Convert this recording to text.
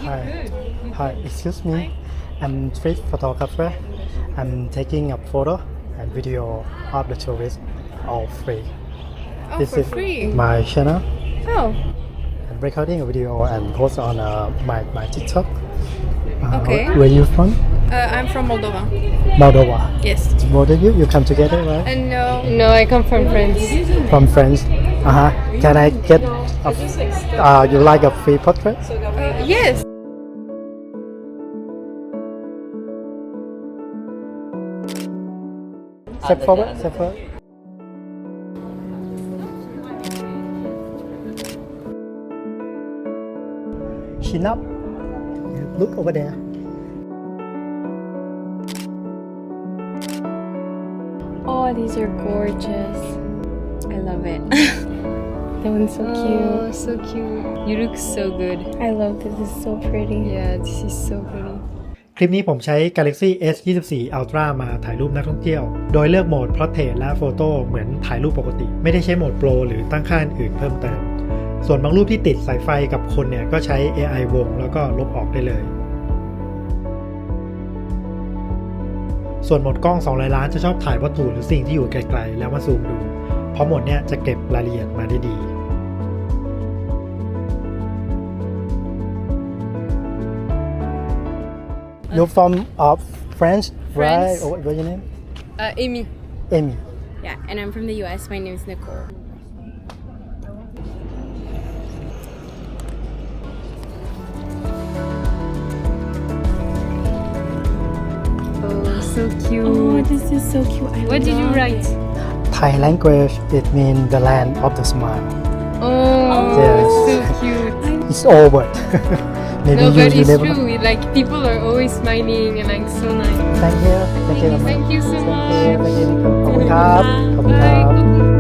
Hi. Hi, excuse me. I'm street photographer. I'm taking a photo and video of the tourist all free. Oh, This for is free. my channel. Oh, I'm recording a video and post on my TikTok. Okay. Where you from? I'm from Moldova. Moldova. Yes. Both of you come together, right? And no. No, I come from France. From France. Can I get you like a free portrait? Yes. Step forward, step forward. Chin up. Look over there. Oh, these are gorgeous. I love it. That one's so cute. So cute. You look so good. I love this. This is so pretty. Yeah, this is so pretty. คลิปนี้ผมใช้ Galaxy S24 Ultra มาถ่ายรูปนักท่องเที่ยว โดยเลือกโหมด Portrait และ Photo เหมือนถ่ายรูปปกติ ไม่ได้ใช้โหมด Pro หรือตั้งค่าอื่นเพิ่มเติม ส่วนบางรูปที่ติดสายไฟกับคนเนี่ยก็ใช้ AI วงแล้วก็ลบออกได้เลย ส่วนโหมดกล้อง200 ล้านจะชอบถ่ายวัตถุหรือสิ่งที่อยู่ไกลๆแล้วมาซูมดู เพราะโหมดเนี้ยจะเก็บรายละเอียดมาได้ดี You're from France, right? What's your name? Amy. Amy. Yeah, and I'm from the US. My name is Nicole. Oh, so cute. Oh, this is so cute. What did you write? Thai language, it means the land of the smile. Oh, Yes. so cute. It's all word. Maybe No, but you it's never true. Like people are always smiling and like so nice. Thank you. Thank you. Thank you so much. Thank you. ขอบคุณครับ ขอบคุณครับ Bye.